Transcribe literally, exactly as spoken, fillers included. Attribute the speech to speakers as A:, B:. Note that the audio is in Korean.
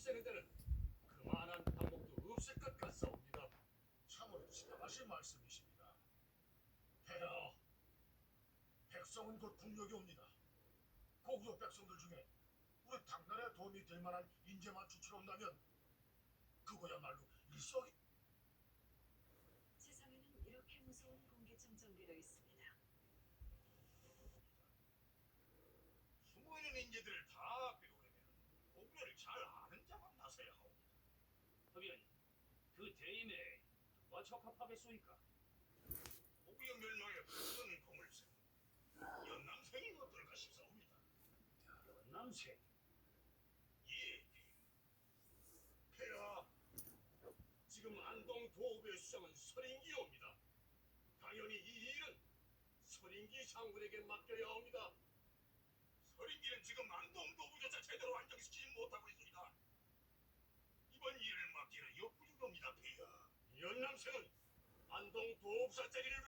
A: 없애는 데는 그만한 방법도 없을 것 같사옵니다.
B: 참으로 지나가실 말씀이십니다. 폐하, 백성은 곧 국력이 옵니다. 고구려 백성들 중에 우리 당나라에 도움이 될 만한 인재만 추출한다면 그거야말로 일석이.
C: 세상에는 이렇게 무서운 공기청정기도 있습니다.
B: 숨어있는 인재들을 다 빼오려면 고구려를 잘 아는 자만 나서야 하옵니다.
D: 하면 그 대임에 누가 적합하겠소이까?
B: 고구려 멸망의 큰 공을 세운 연남생이 어떨까 싶사옵니다.
D: 연남생.
B: 예,
A: 폐하, 지금 안동 도읍의 수장은 서린기옵니다. 당연히 이 일은 서린기 장군에게 맡겨야 합니다.
B: 서린기는 지금 안동도 부조차 제대로 안정시키지 못하고 있습니다. 이번 일을 맡기는 역부족입니다, 폐하.
A: 연남생은 안동 도읍사 자리를